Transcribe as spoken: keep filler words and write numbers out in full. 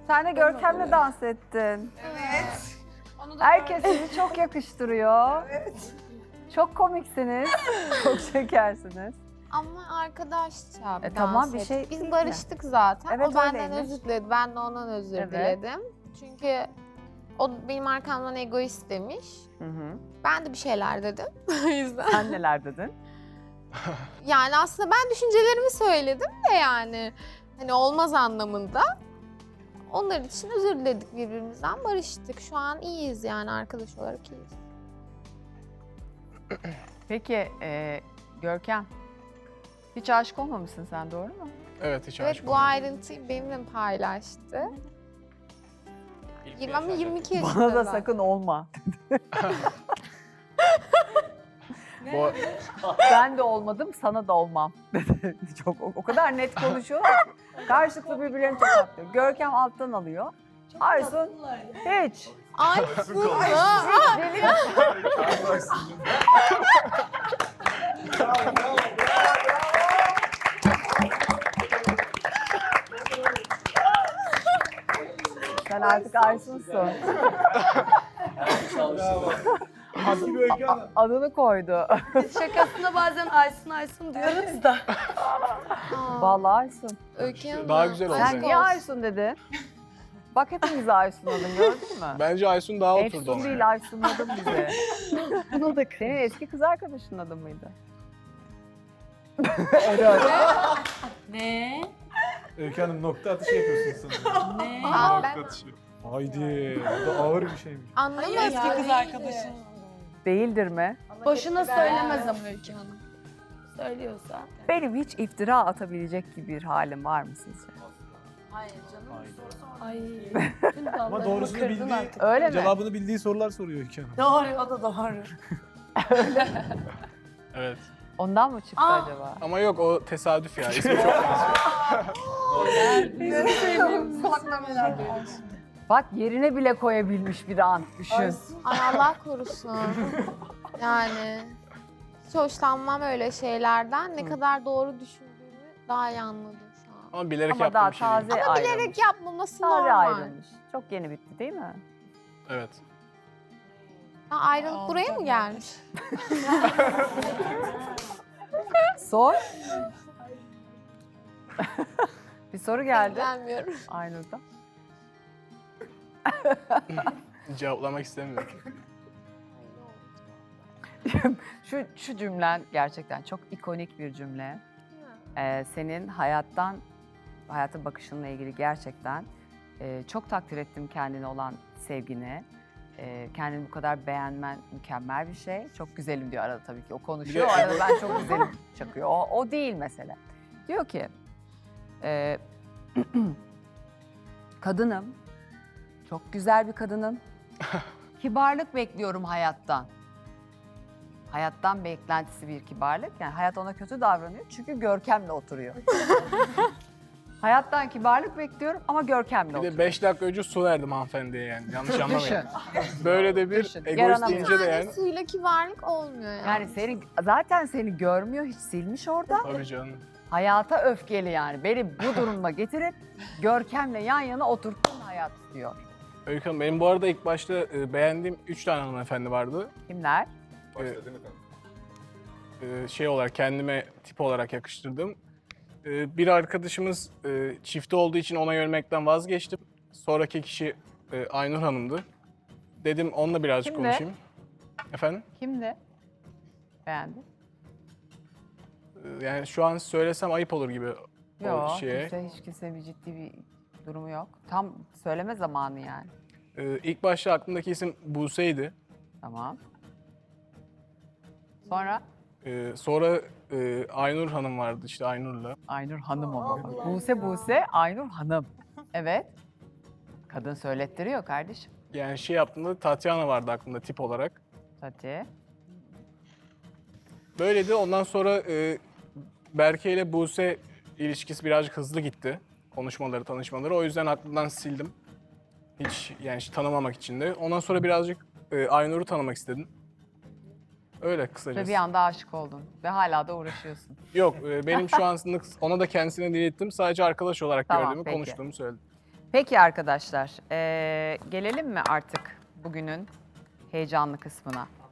Sen de Görkem'le dans ettin. Evet. Herkes sizi çok yakıştırıyor. Evet. Çok komiksiniz. Çok şekersiniz. Ama arkadaşça bir E, tamam, bir dans şey ettik. değil Biz mi? barıştık zaten. Evet, O benden öyleymiş. özür diledi. Ben de ondan özür Evet. diledim. Çünkü o benim arkamdan egoist demiş. Hı hı. Ben de bir şeyler dedim. O yüzden. Sen neler dedin? Yani aslında ben düşüncelerimi söyledim de yani. Hani olmaz anlamında. Onlar için özür diledik birbirimizden. Barıştık. Şu an iyiyiz yani arkadaş olarak iyiyiz. Peki e, Görkem, hiç aşık olmamışsın sen, doğru mu? Evet hiç Evet aşık bu olmadım. ayrıntıyı benimle paylaştı. İlk yirmi ama yaşlarda. yirmi iki yaşında. Bana da ben. sakın olma. Bu, Ben de olmadım, sana da olmam dedi. Çok o, o kadar net konuşuyorlar ki. Karşılıklı birbirlerini tokatlıyor. Görkem alttan alıyor. Aysun hiç. Ay Suna. Sen artık Aysun'sun. Adını koydu. Şakasında bazen Aysun Aysun diyoruz da. Vallahi Aysun. Öykü Hanım. Daha güzel oldu. aşk Sen niye olsun. Aysun dedin? Bak hepimiz Aysun adın, gördün mü? bence Aysun daha oturdu Efsun ona. değil, Aysun adın bize. Buna da Senin eski kız arkadaşının adı mıydı? Evet. Ne? Öykü Hanım nokta atışı yapıyorsunuz sanırım. Ne? Aa, ben Haydi, bu da ağır bir şeymiş. anlamadım. Eski kız arkadaşım. Değildir mi? Boşuna söylemez ama Öykü Hanım. Söylüyorsa. Benim hiç iftira atabilecek gibi bir halim var mı sizce? Hayır canım. Ay. Ama doğrusunu bildiği, Öyle mi? cevabını bildiği sorular soruyor Öykü Hanım. Doğru, o da doğru. Evet. Ondan mı çıktı Aa. acaba? Ama yok o tesadüf ya. İsmi çok benziyor. Bak yerine bile koyabilmiş bir an. Düşün. Ay Allah korusun. Yani hiç hoşlanmam öyle şeylerden. Ne kadar doğru düşündüğümü daha iyi anladım şu an. Ama bilerek Ama yaptığım daha bir şey değil. taze Ama ayrılmış. bilerek yapmaması Taze normal. ayrılmış. Çok yeni bitti değil mi? Evet. Ha, ayrılık buraya mı gelmiş? Sor. Bir soru geldi. İlgilenmiyorum. Aynur'da. Cevaplamak istemiyorum. Şu, şu cümlen gerçekten çok ikonik bir cümle. Ee, senin hayattan, hayata bakışınla ilgili gerçekten e, çok takdir ettim kendine olan sevgini. E, kendini bu kadar beğenmen mükemmel bir şey. Çok güzelim diyor arada tabii ki. O konuşuyor, o Bir de- arada ben çok güzelim çakıyor. O, o değil mesele. Diyor ki, e, kadınım, çok güzel bir kadınım. Kibarlık bekliyorum hayattan. Hayattan beklentisi bir kibarlık. Yani hayat ona kötü davranıyor çünkü Görkem'le oturuyor. Hayattan kibarlık bekliyorum ama Görkem'le Bir oturuyor. de beş dakika önce su verdim hanımefendiye yani. Yanlış Düşün. anlamayın. Böyle de bir Düşün. egoist Yaranamıyor. deyince de Yani yani. suyla kibarlık olmuyor yani. Yani seni zaten seni görmüyor, hiç silmiş orada. Tabii canım. Hayata öfkeli yani. Beni bu duruma getirip Görkem'le yan yana oturttun hayat diyor. Öykü Hanım benim bu arada ilk başta e, beğendiğim üç tane hanımefendi vardı. Kimler? E, şey olarak kendime tip olarak yakıştırdım. E, bir arkadaşımız e, çifti olduğu için ona yönelmekten vazgeçtim. Sonraki kişi e, Aynur Hanım'dı. Dedim onunla birazcık Kimdi? konuşayım. Efendim? Kimdi? Beğendin? E, yani şu an söylesem ayıp olur gibi o Yok, şeye. kimse, hiç kimse bir ciddi bir durumu yok. Tam söyleme zamanı yani. E, ilk başta aklımdaki isim Buse'ydi. Tamam. Sonra? E, sonra e, Aynur Hanım vardı işte Aynur'la. Aynur Hanım ama. Bak, Buse Buse, Aynur Hanım. Evet. Kadın söylettiriyor kardeşim. Yani şey yaptığımda Tatyana vardı aklımda tip olarak. Hadi. Böyleydi. Ondan sonra e, Berke ile Buse ilişkisi birazcık hızlı gitti. Konuşmaları, tanışmaları. O yüzden aklımdan sildim. Hiç yani hiç tanımamak için de. Ondan sonra birazcık e, Aynur'u tanımak istedim. Öyle Ve kısacası. bir anda aşık oldun. Ve hala da uğraşıyorsun. Yok e, benim şu an ona da kendisine dilettim. Sadece arkadaş olarak Tamam, gördüğümü, peki. konuştuğumu söyledim. Peki arkadaşlar, ee, gelelim mi artık bugünün heyecanlı kısmına?